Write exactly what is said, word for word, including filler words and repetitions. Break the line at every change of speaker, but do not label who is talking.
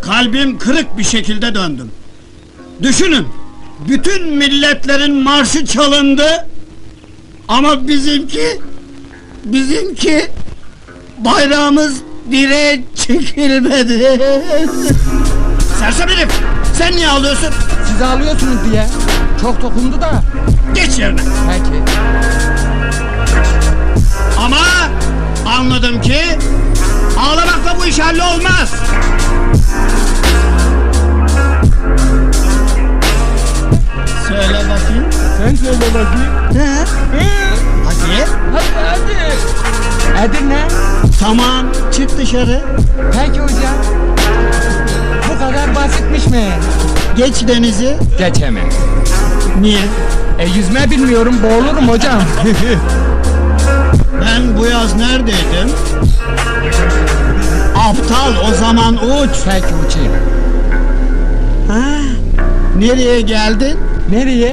Kalbim kırık bir şekilde döndüm. Düşünün, bütün milletlerin marşı çalındı, ama bizimki, bizimki bayrağımız direğe çekilmedi. Sersem herif, sen niye ağlıyorsun?
Siz ağlıyorsunuz diye. Çok dokundu da.
Geç yerine.
Peki.
Ama anladım ki ağlamakla bu iş hallolmaz. Söyle bakayım.
Sen söyle bakayım.
He? Hadi.
Hadi hadi. Edirne.
Tamam, çık dışarı.
Peki hocam. Bu kadar basitmiş mi?
Geç denizi.
Geçemem.
Niye?
E yüzme bilmiyorum, boğulurum hocam.
Ben bu yaz neredeydim? Aptal, o zaman uç.
Peki uçayım.
Ha? Nereye geldin?
Nereye?